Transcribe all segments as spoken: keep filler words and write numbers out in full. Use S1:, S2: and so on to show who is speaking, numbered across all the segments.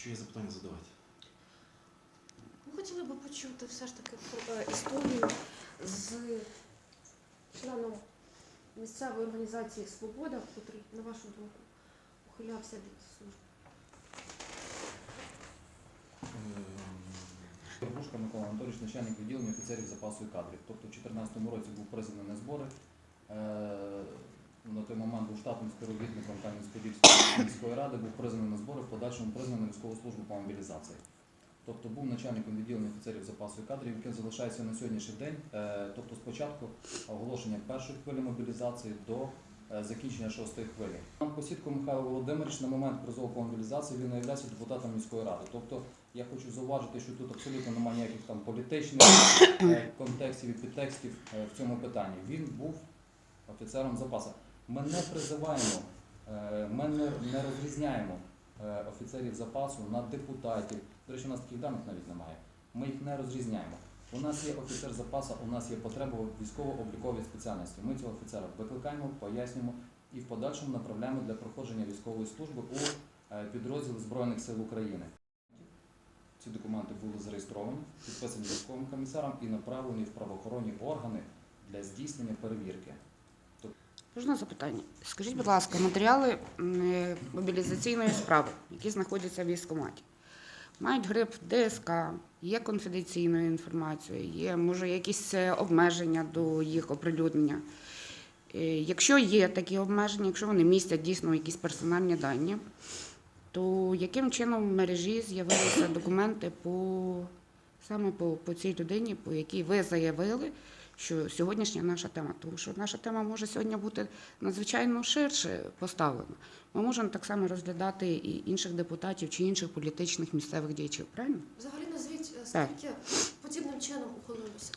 S1: Якщо є запитання, задавайте.
S2: Ми хотіли б почути все ж таки про е, історію з членом місцевої організації «Свобода», який, на вашу думку, ухилявся від служби.
S3: Горбушка Микола Анатолійович, начальник відділення офіцерів запасу і кадрів. Тобто в дві тисячі чотирнадцятому році був призваний на збори. На той момент був штатним співробітником Кам'янець-Подільської міської ради, був призваний на збори, в подальшому призваний на військову службу по мобілізації. Тобто був начальником відділення офіцерів запасу і кадрів, яким залишається на сьогоднішній день, тобто спочатку оголошення першої хвилі мобілізації до закінчення шостої хвилі. Пан Посідко Михайло Володимирович на момент призову по мобілізації він не є депутатом міської ради. Тобто я хочу зауважити, що тут абсолютно немає ніяких там політичних контекстів і підтекстів в цьому питанні. Він був офіцером запасу. Ми не призиваємо, ми не розрізняємо офіцерів запасу на депутатів. До речі, у нас таких даних навіть немає. Ми їх не розрізняємо. У нас є офіцер запасу, у нас є потреба в військово-обліковій спеціальності. Ми цього офіцера викликаємо, пояснюємо і в подальшому направляємо для проходження військової служби у підрозділи Збройних сил України. Ці документи були зареєстровані, підписані військовим комісаром і направлені в правоохоронні органи для здійснення перевірки.
S4: Можна запитання? Скажіть, будь ласка, матеріали мобілізаційної справи, які знаходяться в військкоматі, мають гриф ДСК, є конфіденційною інформацією, є, може, якісь обмеження до їх оприлюднення. Якщо є такі обмеження, якщо вони містять дійсно якісь персональні дані, то яким чином в мережі з'явилися документи по, саме по, по цій людині, по якій ви заявили, що сьогоднішня наша тема, тому що наша тема може сьогодні бути надзвичайно ширше поставлена. Ми можемо так само розглядати і інших депутатів чи інших політичних місцевих діячів, правильно?
S2: Взагалі назвіть, скільки подібним чином ухилилося?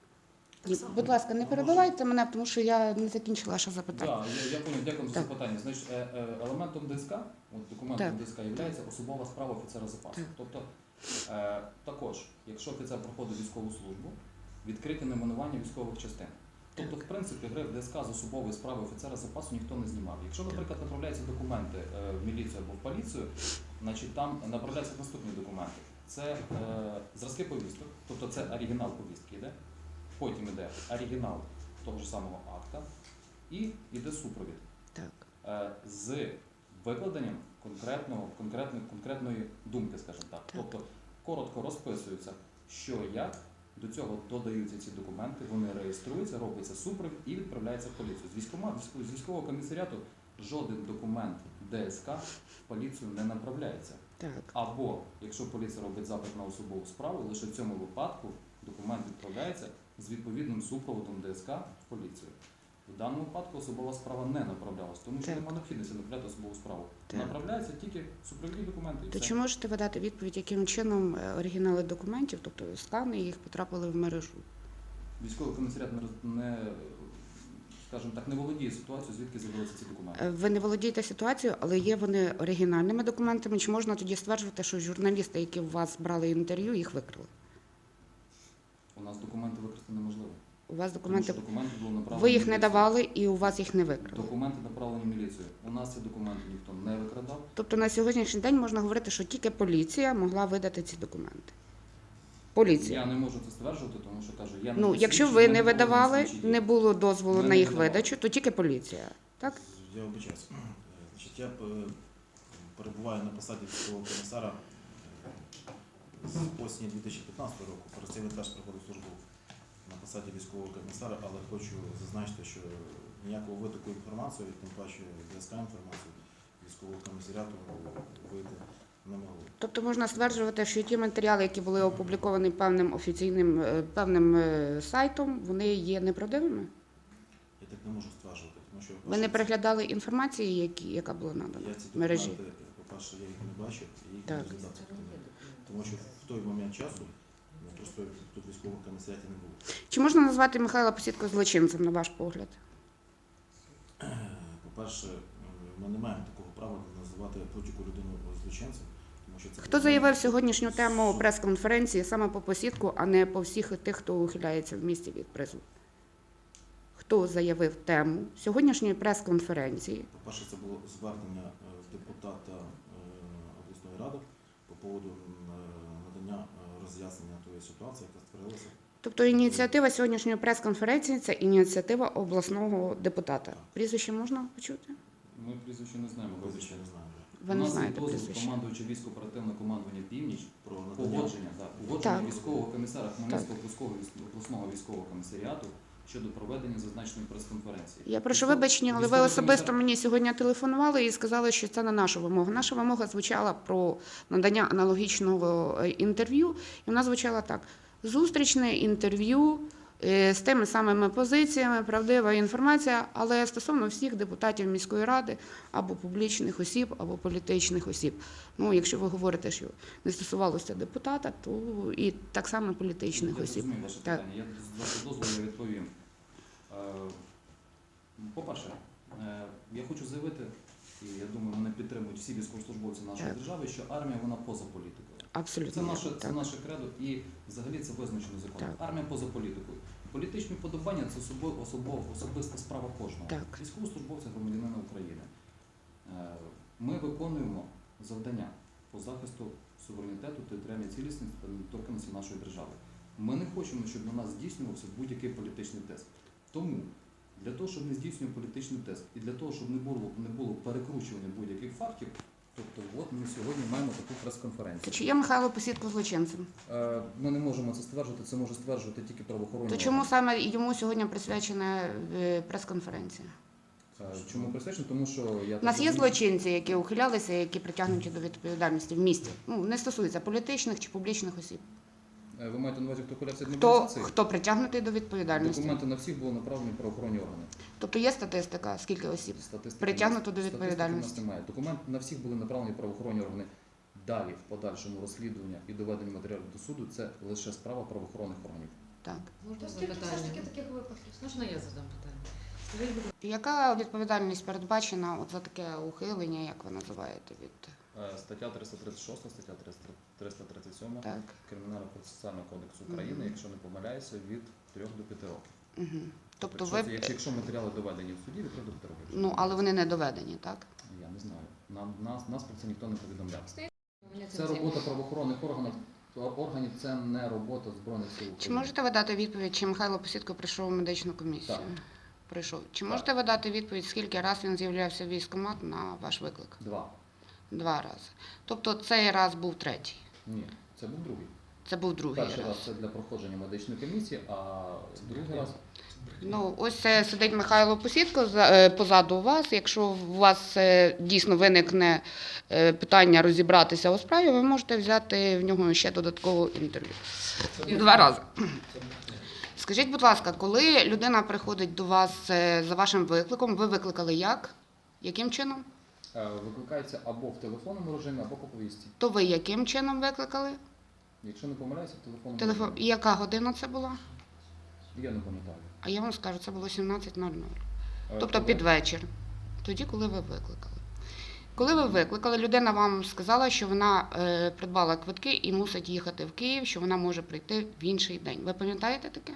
S4: І, будь ласка, не перебивайте мене, тому що я не закінчила ваше запитання.
S3: Так, я, я понял, дякую за запитання. Значить, елементом ДСК, от документом ДСК є особова справа офіцера запасу. Так. Тобто, е, також, якщо офіцер проходить військову службу, відкриті найменування військових частин. Тобто, в принципі, гриф ДСК з особової справи офіцера запасу ніхто не знімав. Якщо, наприклад, направляються документи в міліцію або в поліцію, значить там направляються наступні документи. Це е, зразки повісток, тобто це оригінал повістки йде, потім йде оригінал того ж самого акта і йде супровід.
S4: Так.
S3: Е, з викладенням конкретного, конкретної, конкретної думки, скажімо так. так. Тобто коротко розписується, що як. До цього додаються ці документи, вони реєструються, робиться супровід і відправляється в поліцію. З військкомату, з військового комісаріату жоден документ ДСК в поліцію не направляється.
S4: Так.
S3: Або, якщо поліція робить запит на особову справу, лише в цьому випадку документ відправляється з відповідним супроводом ДСК в поліцію. В даному випадку особова справа не направлялась, тому що немає необхідності направляти особову справу. Так. Направляються тільки супровідні документи. І
S4: То
S3: все.
S4: чи можете ви дати відповідь, яким чином оригінали документів, тобто скани їх, потрапили в мережу?
S3: Військовий комісаріат не, не, скажімо так, не володіє ситуацією, звідки з'явилися ці документи.
S4: Ви не володієте ситуацією, але є вони оригінальними документами. Чи можна тоді стверджувати, що журналісти, які у вас брали інтерв'ю, їх викрили?
S3: У нас документи викрити неможливо.
S4: У вас документи,
S3: документи були направлені
S4: ви їх
S3: в
S4: не
S3: міліцію.
S4: давали і у вас їх не викрили?
S3: Документи направлені в міліцію. У нас ці документи ніхто не викрадав.
S4: Тобто на сьогоднішній день можна говорити, що тільки поліція могла видати ці документи? Поліція?
S3: Я не можу це стверджувати, тому що кажу, я не
S4: Ну, якщо ви не видавали, не було дозволу на їх видачу, то тільки поліція, так?
S1: Я вибачаюся. Значить, я перебуваю на посаді військового комісара з осені дві тисячі п'ятнадцятого року. Перед цим я теж проходив службу на посаді військового комісара, але хочу зазначити, що ніякого витоку інформації, тим паче ДСК інформацію військового комісаріату вийти не могло.
S4: Тобто можна стверджувати, що ті матеріали, які були опубліковані певним офіційним, певним сайтом, вони є неправдивими?
S1: Я так не можу стверджувати, тому що...
S4: Ви не переглядали інформації, які, яка була надана в мережі?
S1: По-перше, я їх не бачив і їх
S4: Так.
S1: не розглядав. Тому що в той момент часу просто тут військового комісаріаті не було.
S4: Чи можна назвати Михайла Посідко злочинцем, на ваш погляд?
S1: По-перше, ми не маємо такого права називати будь-яку людину злочинцем. Тому що це
S4: Хто заявив сьогоднішню тему прес-конференції саме по Посідку, а не по всіх тих, хто ухиляється в місті від призову? Хто заявив тему сьогоднішньої прес-конференції?
S1: По-перше, це було звернення депутата обласної ради по поводу м, е, надання е, роз'яснення тої ситуації, яка створилася.
S4: Тобто ініціатива сьогоднішньої прес-конференції це ініціатива обласного депутата. Прізвище можна почути?
S3: Ми прізвище не знаємо.
S1: Прізвище не знаю.
S4: Ви
S3: У
S4: не
S3: нас є
S4: знаєте
S3: дозвіл
S4: прізвище.
S3: командуючи військово-оперативне командування «Північ»
S1: Про надання
S3: погодження, так, погодження
S4: Так.
S3: військового комісара Хмельницького обласного військ- обласного військового комісаріату щодо проведення зазначеної прес-конференції.
S4: Я прошу
S3: Військов-
S4: вибачення, але ви
S3: військовий
S4: особисто
S3: комісар-
S4: мені сьогодні телефонували і сказали, що це не наша вимога. Наша вимога звучала про надання аналогічного е, інтерв'ю, і вона звучала так: зустрічне інтерв'ю е, з тими самими позиціями, правдива інформація, але стосовно всіх депутатів міської ради або публічних осіб, або політичних осіб. Ну, якщо ви говорите, що не стосувалося депутата, то і так само політичних
S3: Я
S4: осіб.
S3: розумію ваше
S4: Так.
S3: питання. Я з вашого дозволу я відповім. Е, По-перше, е, я хочу заявити, і я думаю, мене підтримують всі військовослужбовці нашої
S4: Так.
S3: держави, що армія вона поза політикою.
S4: Абсолютно.
S3: Це наше, це
S4: так.
S3: наше кредо і взагалі це визначено законом.
S4: Так.
S3: Армія поза політикою. Політичні вподобання це особо, особо, особиста справа кожного.
S4: Так.
S3: Військовослужбовця громадянина України. Е, Ми виконуємо завдання по захисту суверенітету, територіальної цілісності та недоторканності нашої держави. Ми не хочемо, щоб на нас здійснювався будь-який політичний тиск. Тому для того, щоб не здійснював політичний тиск і для того, щоб не було, не було перекручування будь-яких фактів, тобто от ми сьогодні маємо таку прес-конференцію.
S4: Чи є Михайло Посідко злочинцем?
S3: Е, Ми не можемо це стверджувати, це може стверджувати тільки правоохоронні
S4: То чому
S3: органи.
S4: саме йому сьогодні присвячена е, прес-конференція?
S3: Е, Чому присвячено? Тому що я
S4: У нас
S3: так
S4: є
S3: розумію-
S4: злочинці, які ухилялися, які притягнуті до відповідальності в місті. Ну, не стосується політичних чи публічних осіб.
S3: Е, Ви маєте на увазі, хто ухилявся від
S4: Хто,
S3: мобілізації?
S4: хто притягнутий до відповідальності?
S3: Документи на всіх були направлені в правоохоронні органи.
S4: Тобто є статистика, скільки осіб?
S3: Статистики
S4: Притягнуто
S3: у нас-
S4: до
S3: статистики
S4: відповідальності.
S3: у нас немає. Документи на всіх були направлені в правоохоронні органи. Далі, в подальшому розслідування і доведення матеріалів до суду, це лише справа правоохоронних органів.
S4: Так.
S5: Можна
S2: То скільки все ж таки
S5: запитання?
S2: таких випадків?
S5: Можна я задам питання? Скажіть, будь ласка,
S4: Яка відповідальність передбачена от за таке ухилення, як ви називаєте, від
S3: Е, Стаття триста тридцять шість, стаття триста тридцять сім
S4: так?
S3: Кримінального процесуального кодексу України,
S4: Мгм.
S3: якщо не помиляюся, від трьох до п'яти років.
S4: Угу. Тобто
S3: якщо,
S4: ви
S3: це- якщо, якщо матеріали доведені в суді, від трьох до п'яти років.
S4: ну, але вони не доведені, так?
S3: Я не знаю. Нам нас, нас про це ніхто не повідомляв.
S5: мене
S3: Це
S5: цим
S3: робота правоохоронних органів. Органів це не робота збройних сил
S4: Чи
S3: України.
S4: можете ви дати відповідь, чи Михайло Посідко прийшов у медичну комісію?
S3: Так.
S4: Прийшов. Чи
S3: Так.
S4: можете ви дати відповідь, скільки раз він з'являвся в військкомат на ваш виклик?
S3: Два.
S4: Два рази. Тобто цей раз був третій.
S3: Ні, це був другий.
S4: Це був другий
S3: Перший
S4: раз.
S3: раз це для проходження медичної комісії, а другий раз
S4: Ну, ось е, сидить Михайло Посідко за- е, позаду вас. Якщо у вас е, дійсно виникне е, питання розібратися у справі, ви можете взяти в нього ще додаткове інтерв'ю. Два рази. Скажіть, будь ласка, коли людина приходить до вас е, за вашим викликом, ви викликали як? Яким чином?
S3: е, викликається або в телефонному режимі, або по повістці.
S4: То ви яким чином викликали?
S3: Якщо не помиляюся, в телефонному
S4: Телефон. І
S3: режимі.
S4: яка година це була?
S3: Я не пам'ятаю.
S4: А я вам скажу, це було сімнадцять нуль нуль.
S3: Е,
S4: Тобто
S3: коли?
S4: під вечір. Тоді, коли ви викликали. Коли ви викликали, людина вам сказала, що вона е, придбала квитки і мусить їхати в Київ, що вона може прийти в інший день. Ви пам'ятаєте таке?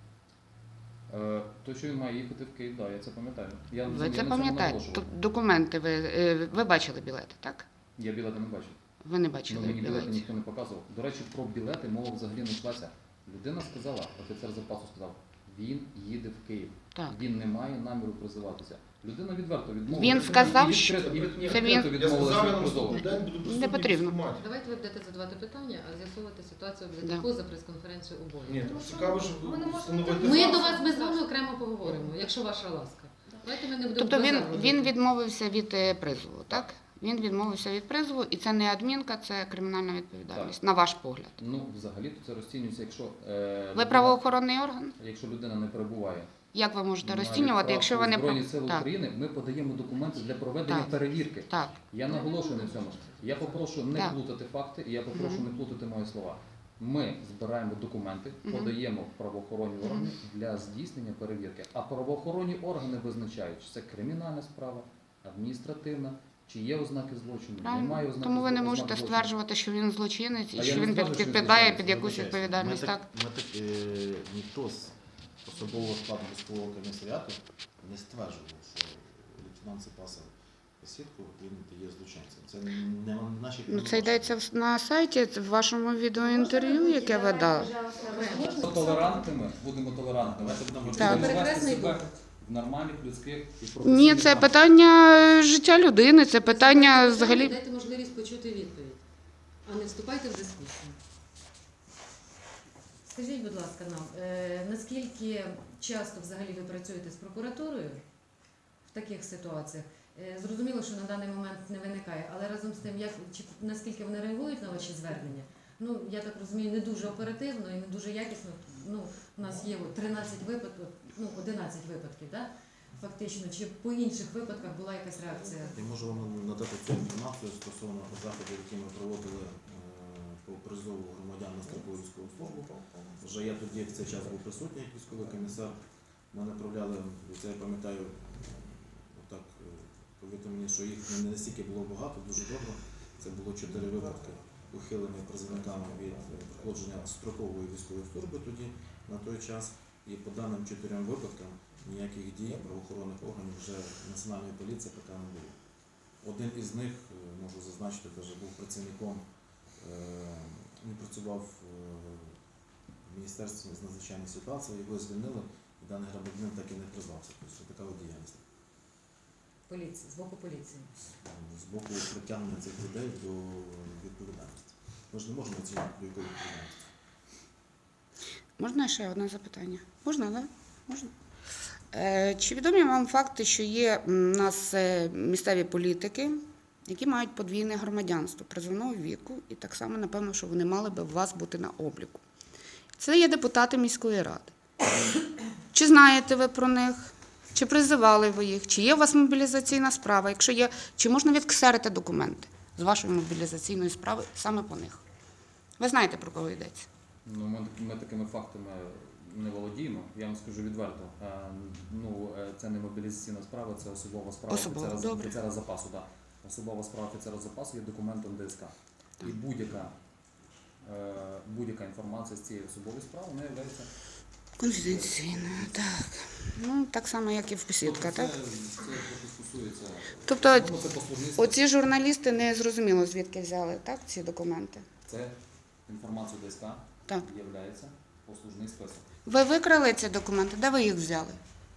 S3: Е, То, що він має їхати в Київ, так, я це пам'ятаю. Я,
S4: Ви
S3: я
S4: це
S3: на цьому
S4: пам'ятаєте?
S3: наголошував.
S4: Тобто документи ви, е, ви бачили білети, так?
S3: Я білети не бачив.
S4: Ви не
S3: Ну,
S4: бачили
S3: мені білети
S4: білетів.
S3: ніхто не показував. До речі, про білети мова взагалі не йшлася. Людина сказала, офіцер запасу сказав, він їде в Київ.
S4: Так.
S3: Він не має наміру призиватися. Людина відверто відмовилася.
S4: Він сказав,
S3: і
S4: що-
S3: відкрито, і від, і
S4: це
S3: відкрито
S4: він-
S6: Я
S3: відмовилася
S6: сказав, я
S3: від
S6: на наступний
S3: призову.
S6: день буду присутній
S4: Не потрібно.
S6: в військкоматі.
S5: Давайте ви будете задавати питання, а з'ясовувати ситуацію
S4: Да.
S5: буде поза прес-конференцією обоє.
S6: Ні,
S2: Тому що
S6: цікаво, що
S2: ми не можемо
S6: встановити
S5: Ми
S6: факт.
S5: до вас без вами окремо поговоримо, якщо ваша ласка. Давайте ми не будемо
S4: Тобто він,
S5: базар
S4: він
S5: робити.
S4: відмовився від е, призову, так? Він відмовився від призову, і це не адмінка, це кримінальна відповідальність, на ваш погляд.
S3: Ну, взагалі то це розцінюється, якщо, е,
S4: Ви
S3: людина-
S4: правоохоронний орган?
S3: якщо людина не перебуває
S4: Як ви можете
S3: на
S4: розцінювати,
S3: відправку
S4: якщо ви не
S3: в Збройні
S4: про-
S3: Сили
S4: так,
S3: України, ми подаємо документи для проведення
S4: Так.
S3: перевірки.
S4: так.
S3: Я наголошую на цьому. Я попрошу не
S4: Так.
S3: плутати факти, і я попрошу
S4: Мгм.
S3: не плутати мої слова. Ми збираємо документи,
S4: Мгм.
S3: подаємо в правоохоронні органи для здійснення перевірки. А правоохоронні органи визначають, чи це кримінальна справа, адміністративна, чи є ознаки злочину,
S4: Правильно.
S3: немає ознак
S4: Тому ви не
S3: ознак
S4: можете
S3: злочину.
S4: стверджувати, що він злочинець і
S3: А
S4: що
S3: я не
S4: він
S3: стверджую, що він
S4: підпадає
S3: злочинець.
S4: під якусь
S1: Вибачаюсь,
S4: відповідальність.
S1: Ми
S4: Так?
S1: так, ми так е, ніхто з особового складу військового комісаріату не стверджував, що лейтенант запаса посвідку, він є злочинцем. Це не на нашій
S4: Ну, це йдеться в- на сайті, це в вашому відеоінтерв'ю, яке ви дали.
S3: Будемо толерантними, будемо толерантними.
S1: Давайте будемо
S3: Будемо вести
S5: Перехресний
S3: себе
S5: дух.
S3: в нормальних, людських і
S4: Ні,
S3: професійних
S4: це
S3: рамках.
S4: питання життя людини, це питання
S5: Задайте
S4: взагалі.
S5: Дайте можливість почути відповідь, а не вступайте в дискусію. Скажіть, будь ласка, нам, е, наскільки часто взагалі ви працюєте з прокуратурою в таких ситуаціях? Е, Зрозуміло, що на даний момент не виникає, але разом з тим, як, чи, наскільки вони реагують на ваші звернення? Ну, я так розумію, не дуже оперативно і не дуже якісно. Ну, у нас є от тринадцять випадків, ну, одинадцять випадків, да? Фактично. Чи по інших випадках була якась реакція?
S1: Я можу вам надати цю інформацію стосовно заходів, які ми проводили е, по призову громадян на строкову військову службу. Вже я тоді в цей час був присутній як військовий комісар. Ми направляли, це я пам'ятаю, отак е, повідомлення, що їх не настільки було багато, дуже добре. Це було чотири випадки ухилення призовниками від е, проходження строкової військової служби тоді на той час. І по даним чотирьом випадкам ніяких дій правоохоронних органів вже Національної поліції поки не було. Один із них, е, можу зазначити, теж був працівником, е, він працював е, в Міністерстві з надзвичайних ситуацій, його звільнили, і даний громадянин так і не призвався. Тобто така от діяльність.
S5: Поліції, з боку поліції.
S1: З боку притягнення цих людей до відповідальності. Ми ж не можемо оцінювати до якої відповідальності.
S4: Можна ще одне запитання? Можна, так? Да? Можна. Е, Чи відомі вам факти, що є м, у нас е, місцеві політики, які мають подвійне громадянство призовного віку, і так само, напевно, що вони мали би у вас бути на обліку? Це є депутати міської ради. Чи знаєте ви про них? Чи призивали ви їх? Чи є у вас мобілізаційна справа? Якщо є, чи можна відксерити документи з вашої мобілізаційної справи саме по них? Ви знаєте, про кого йдеться?
S3: Ну, ми, ми такими фактами не володіємо. Я вам скажу відверто. Е, ну, е, це не мобілізаційна справа, це особова справа
S4: Особова,
S3: офіцера,
S4: добре.
S3: офіцера запасу. Да. Особова справа офіцера запасу є документом ДСК. І будь-яка, е, будь-яка інформація з цієї особової справи не є
S4: Конфіденційно, так. Ну, так само, як і в посвідка, так?
S3: Це, це трохи стосується.
S4: Тобто,
S3: Ну, це послужництво.
S4: оці журналісти не зрозуміло, звідки взяли, так, ці документи?
S3: Це інформація ДСК
S4: Так.
S3: є послужний список.
S4: Ви викрали ці документи, де ви їх взяли?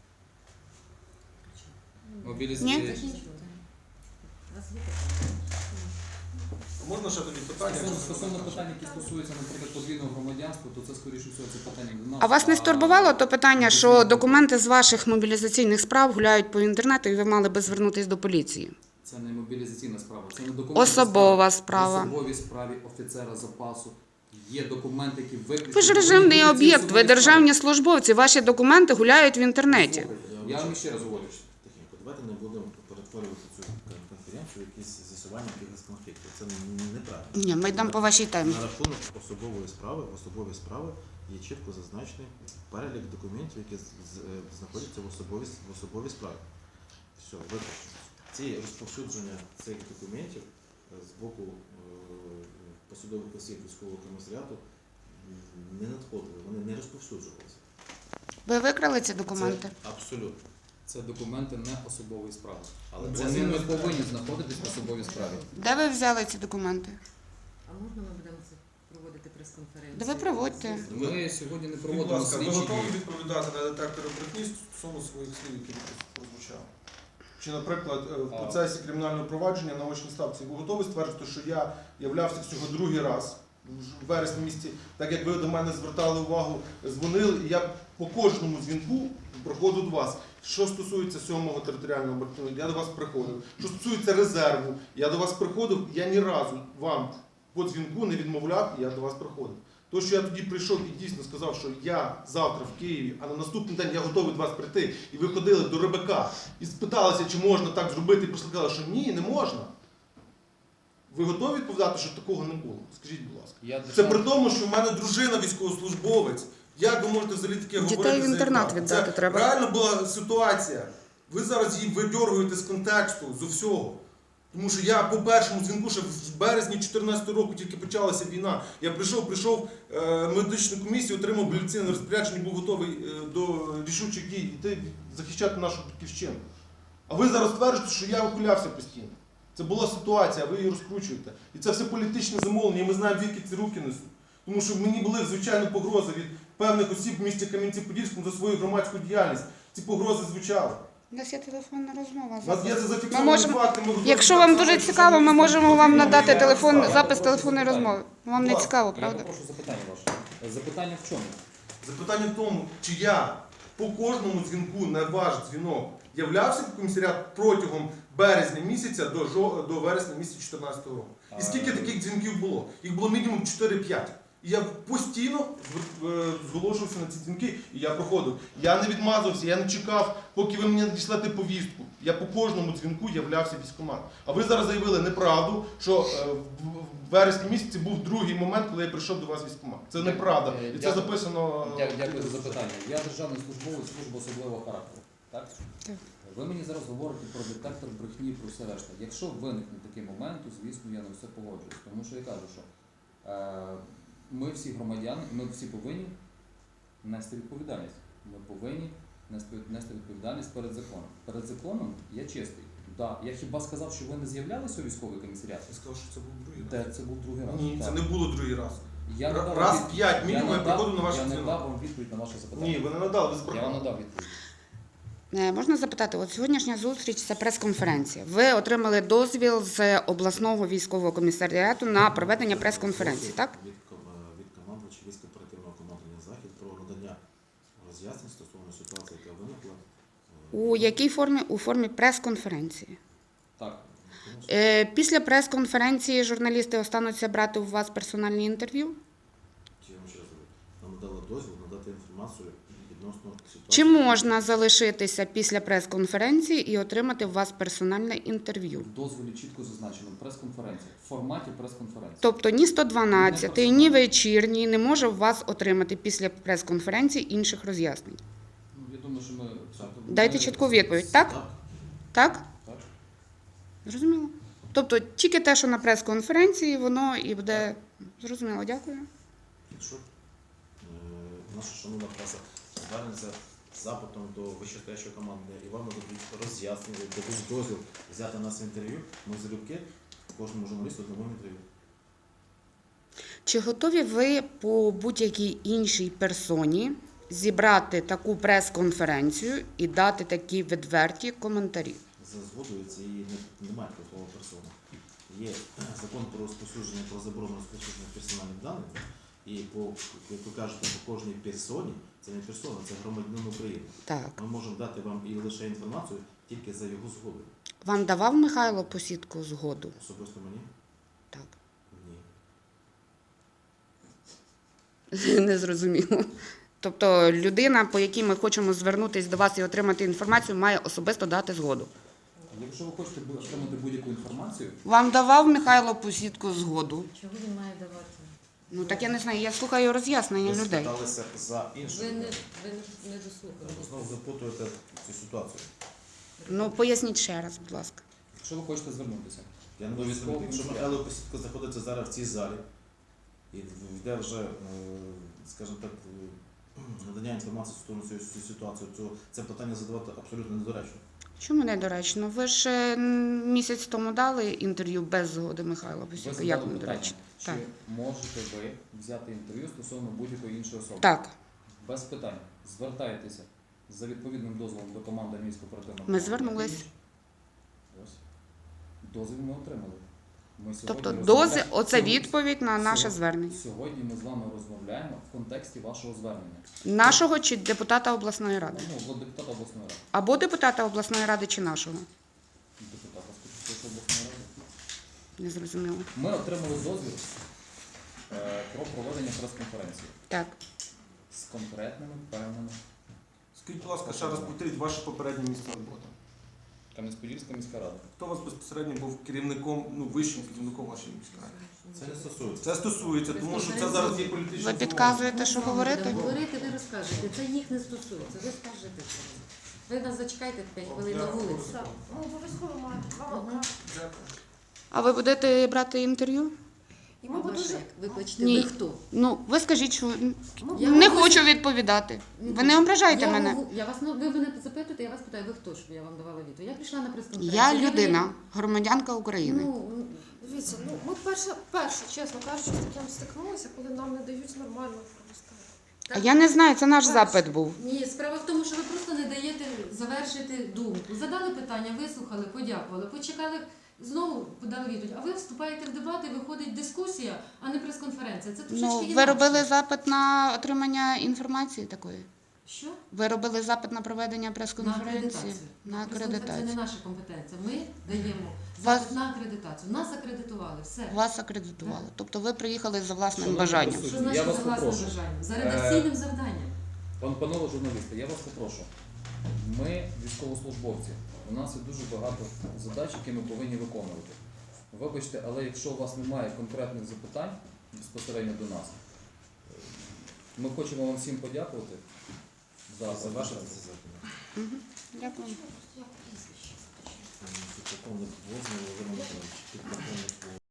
S3: Мобілізація.
S4: Ні?
S5: Закінчувати. У нас є питання?
S6: Можна ще тоді питання?
S3: Стосовно, стосовно питань, які стосуються, наприклад, подвійного громадянства, то це, скоріше всього, це питання до нас.
S4: А вас не стурбувало то питання, що документи з ваших мобілізаційних справ гуляють по інтернету, і ви мали би звернутися до поліції?
S3: Це не мобілізаційна справа, це не документи.
S4: Особова
S3: справи.
S4: справа.
S3: В особовій справі офіцера запасу є документи, які виключно...
S4: Ви ж режимний
S3: Вони
S4: об'єкт,
S3: будуть
S4: ви
S3: ці
S4: державні службовці, ваші документи гуляють в
S3: особові
S4: інтернеті.
S3: справи. Слухайте, Я вам ще раз говорю.
S1: Тихенько, давайте не будемо перетворювати цю конференцію в якісь з'ясування якихось конфліктів. Це неправильно.
S4: Ні, ми йдемо по вашій темі.
S1: На рахунок особової справи, особові справи є чітко зазначений перелік документів, які з- з- е, знаходяться в особовій, в особовій справі. Все, виключно. Ці розповсюдження цих документів е, з боку е, посадових осіб військового комісаріату м, не надходили, вони не розповсюджувалися.
S4: Ви викрали ці документи?
S1: Це абсолютно.
S3: Це документи не особової справи.
S1: Але
S3: Але
S1: це
S3: вони
S1: не
S3: не повинні знаходитись в особовій справі.
S4: Де ви взяли ці документи?
S5: А можна ми будемо це проводити прес-конференцію?
S4: Да ви проводьте.
S3: Ми сьогодні не
S6: Будь
S3: проводимо
S6: ласка, ви
S3: слідчі
S6: готові
S3: дії.
S6: відповідати на детектори брехні стосовно своїх слів, які прозвучали? Чи, наприклад, е, в
S3: А.
S6: процесі кримінального провадження на очній ставці ви готові стверджувати, що я являвся всього другий раз в вересні місяці, так як ви до мене звертали увагу, дзвонили, і я по кожному дзвінку проходив до вас. Що стосується сьомого територіального батальйону, я до вас приходив. Що стосується резерву, я до вас приходив, я ні разу вам по дзвінку не відмовляв, і я до вас приходив. То, що я тоді прийшов і дійсно сказав, що я завтра в Києві, а на наступний день я готовий до вас прийти, і ви ходили до Рибака і спиталися, чи можна так зробити, і прийшли сказали, що ні, не можна. Ви готові відповідати, що такого не було? Скажіть, будь ласка.
S3: Я
S6: Це
S3: держав-
S6: при тому, що в мене дружина військовослужбовець. Як ви можете взагалі таке
S4: Дітей
S6: говорити?
S4: в
S6: за
S4: інтернат
S6: екран?
S4: віддати
S6: Це
S4: треба.
S6: реально була ситуація. Ви зараз її видьоргуєте з контексту, з усього. Тому що я по першому дзвінку, ще в березні дві тисячі чотирнадцятого року тільки почалася війна. Я прийшов, прийшов е, медичну комісію, отримав мобілізаційне розпорядження, був готовий е, до рішучих дій йти захищати нашу батьківщину. А ви зараз стверджуєте, що я ухилявся постійно. Це була ситуація, а ви її розкручуєте. І це все політичне замовлення, і ми знаємо, звідки ці руки несуть. Тому що мені були, звичайно, погрози від певних осіб в місті Кам'янці-Подільському за свою громадську діяльність. Ці погрози звучали.
S4: У нас є телефонна розмова.
S6: У нас є це
S4: Ми
S6: зафіксовані
S4: можемо,
S6: факти. Ми готові
S4: якщо
S6: так
S4: вам
S6: само,
S4: дуже
S6: як
S4: цікаво, ми
S6: журналісти.
S4: можемо вам
S6: Ні,
S4: надати
S6: я
S4: телефон,
S6: не знаю.
S4: запис телефонної розмови. Вам не
S6: Будь ласка.
S4: цікаво,
S3: Я
S4: правда?
S3: попрошу запитання ваше. Запитання в чому?
S6: Запитання в тому, чи я по кожному дзвінку на ваш дзвінок являвся в комісаріат протягом березня місяця до, жо- до вересня місяця дві тисячі чотирнадцятого року. І скільки таких дзвінків було? Їх було мінімум чотири-п'ять. І я постійно е, зголошувався на ці дзвінки, і я проходив. Я не відмазувався, я не чекав, поки ви мені надішлете повістку. Я по кожному дзвінку являвся в військкомат. А ви зараз заявили неправду, що е, в- в вересні місяці був другий момент, коли я прийшов до вас в військкомат. Це неправда. І це
S3: Дякую.
S6: записано. е,
S3: Дя- Дякую за запитання. Я державний службовець служби особливого характеру. Так?
S4: Так.
S3: Ви мені зараз говорите про детектор брехні, про все решта. Якщо виникне такий момент, то звісно я на все погоджуюсь. Тому що я кажу, що е, ми всі громадяни, ми всі повинні нести відповідальність. Ми повинні нести, нести відповідальність перед законом. Перед законом я чистий. Да. Я хіба сказав, що ви не з'являлися у військовий комісаріат?
S6: Я сказав, що це був другий раз.
S3: Де це був другий раз?
S6: Ні, це
S3: Так.
S6: не було другий раз.
S3: Я
S6: Ра-
S3: надав
S6: раз
S3: від-
S6: п'ять мінімум я
S3: надав-
S6: приходив на ваш
S3: Я не
S6: дзвінок.
S3: дав вам відповідь на ваше запитання.
S6: Ні, ви не надали, ви
S3: Я вам
S6: збрехали.
S3: надав відповідь.
S4: Е, Можна запитати, от сьогоднішня зустріч це прес-конференція. Ви отримали дозвіл з обласного військового комісаріату на проведення прес-конференції, так?
S1: Від, ком- е, від командувача військ оперативного командування «Захід» про надання роз'яснень стосовно ситуації, яка виникла. е,
S4: У якій формі? У формі прес-конференції.
S3: Так.
S1: тому що
S4: Е, Після прес-конференції журналісти остануться брати у вас персональні інтерв'ю.
S1: Я вам ще раз говорю, нам надали дозвіл надати інформацію відносно ситуації.
S4: Чи можна залишитися після прес-конференції і отримати у вас персональне інтерв'ю?
S3: В дозволі чітко зазначено прес-конференція. В форматі прес-конференції.
S4: Тобто ні сто дванадцять, ні вечірній не може у вас отримати після прес-конференції інших роз'яснень.
S3: Ну, я думаю, що ми...
S4: Дайте чітку відповідь, так?
S1: Так.
S4: Так?
S3: Так.
S4: Зрозуміло. Тобто тільки те, що на прес-конференції, воно і буде зрозуміло. Дякую.
S1: Якщо е, наша шановна преса звернеться з запитом до вищестоящого команди і вам дадуть роз'яснення, дадуть дозвіл взяти нас інтерв'ю, ми залюбки кожному журналісту дамо інтерв'ю.
S4: Чи готові ви по будь-якій іншій персоні зібрати таку прес-конференцію і дати такі відверті коментарі?
S1: За згодою цієї не- немає такого персони. Є закон про розповсюдження, про заборону розповсюдження персональних даних, і по, як ви кажете, по кожній персоні, це не персона, це громадянин України.
S4: Так.
S1: Ми можемо дати вам і лише інформацію тільки за його згодою.
S4: Вам давав Михайло Посідко згоду?
S1: Особисто мені?
S4: Так.
S1: Ні.
S4: Не зрозуміло. Тобто людина, по якій ми хочемо звернутися до вас і отримати інформацію, має особисто дати згоду.
S3: Якщо ви хочете бу- отримати будь-яку інформацію,
S4: Вам давав Михайло Посідко згоду?
S5: Чого він має давати?
S4: Ну так я не знаю, я слухаю роз'яснення
S1: Ви
S4: людей.
S1: спиталися за іншу
S5: Ви не,
S1: людину.
S5: ви не, не дослухали.
S1: Ви знову запутуєте цю ситуацію.
S4: Ну поясніть ще раз, будь ласка.
S3: якщо ви хочете звернутися,
S1: Я не
S3: До
S1: можу
S3: військового
S1: зрозуміти, якщо
S3: комісаріату.
S1: Михайло Посідко знаходиться зараз в цій залі і йде вже, е, скажімо так, е, надання інформації стосовно цієї цієї ситуації, то це питання задавати абсолютно недоречно.
S4: Чому недоречно? Ви ж е, м, місяць тому дали інтерв'ю без згоди Михайла
S3: ви
S4: Посідко.
S3: задали
S4: Як
S3: питання,
S4: недоречно?
S3: чи
S4: Так.
S3: можете ви взяти інтерв'ю стосовно будь-якої іншої особи?
S4: Так,
S3: Без питань. Звертаєтеся за відповідним дозволом до команди армійського оперативного.
S4: ми
S3: командування.
S4: звернулись.
S3: Ось. Дозвіл ми отримали. Ми сьогодні
S4: Тобто
S3: розмовляємо-
S4: дози, оце
S3: Сьогодні-
S4: відповідь на наше
S3: сьогодні-
S4: звернення.
S3: Сьогодні ми з вами розмовляємо в контексті вашого звернення.
S4: Нашого чи депутата обласної ради?
S3: Ну, от депутата обласної ради.
S4: Або депутата обласної ради, чи нашого?
S3: Депутата Скочівської обласної ради.
S4: Не зрозуміло.
S3: Ми отримали дозвіл е, про проведення прес-конференції
S4: Так.
S3: з конкретними певними.
S6: Скажіть, будь ласка, ще раз повторіть ваше попереднє місце роботи.
S3: Кам'янець-Подільська міська рада.
S6: Хто у вас безпосередньо був керівником, ну, вищим керівником вашої міської ради?
S1: Це не стосується.
S6: Це стосується, тому що це зараз є політичне
S4: Ви підказуєте, що
S5: Ми з вами
S4: говорити?
S5: будемо говорити, ви розкажете. Це їх не стосується. Ви скажете це. Ви нас зачекайте п'ять хвилин на вулиці.
S2: Так, ну обов'язково мають. Вам
S5: Ага.
S4: А ви будете брати інтерв'ю?
S2: І ми б
S5: Ваше,
S2: дуже
S5: вибачте,
S4: Ні.
S5: ви хто?
S4: Ну, ви скажіть, що
S2: ми
S5: Я
S4: не
S5: вам
S4: хочу відповідати. Ви не ображайте
S5: я,
S4: мене.
S5: говорю- Я вас, ну, ви мене запитуєте, я вас питаю, ви хто, щоб я вам давала відповідь. Я прийшла на прес-конференцію.
S4: Я
S5: не-
S4: людина, громадянка України.
S5: Ну,
S2: дивіться, ну ми перше, перше, чесно кажучи, з таким стикнулися, коли нам не дають нормально провести.
S4: А я не знаю, це наш
S5: Перше.
S4: запит був.
S5: ні, справа в тому, що ви просто не даєте завершити думку. Задали питання, вислухали, подякували, почекали, знову подали відповідь. А ви вступаєте в дебати, виходить дискусія, а не прес-конференція. Це трошечки
S4: Ну, ви
S5: інакше.
S4: робили запит на отримання інформації такої?
S5: Що?
S4: Ви робили запит на проведення
S5: На
S4: прес-конференції?
S5: акредитацію.
S4: На
S5: Прес-конференція це
S4: акредитацію.
S5: не наша компетенція. Ми даємо
S4: Вас-
S5: запит на акредитацію. Нас акредитували. Все.
S4: Вас акредитували. Тобто ви приїхали за власним
S3: Шановні
S4: бажанням.
S3: присутні,
S5: Що
S3: я
S5: значить
S3: вас
S5: за власним
S3: попрошу.
S5: бажанням? За
S3: Е,
S5: редакційним завданням.
S3: Пан панове журналісти, я вас попрошу. Ми військовослужбовці. У нас є дуже багато задач, які ми повинні виконувати. Вибачте, але якщо у вас немає конкретних запитань безпосередньо до нас, ми хочемо вам всім подякувати за
S1: Завершити це запит.
S4: Мгм. Дякую.
S2: Як прізвище?
S1: Підполковник Возний Володимир Миколаївич. Підполковник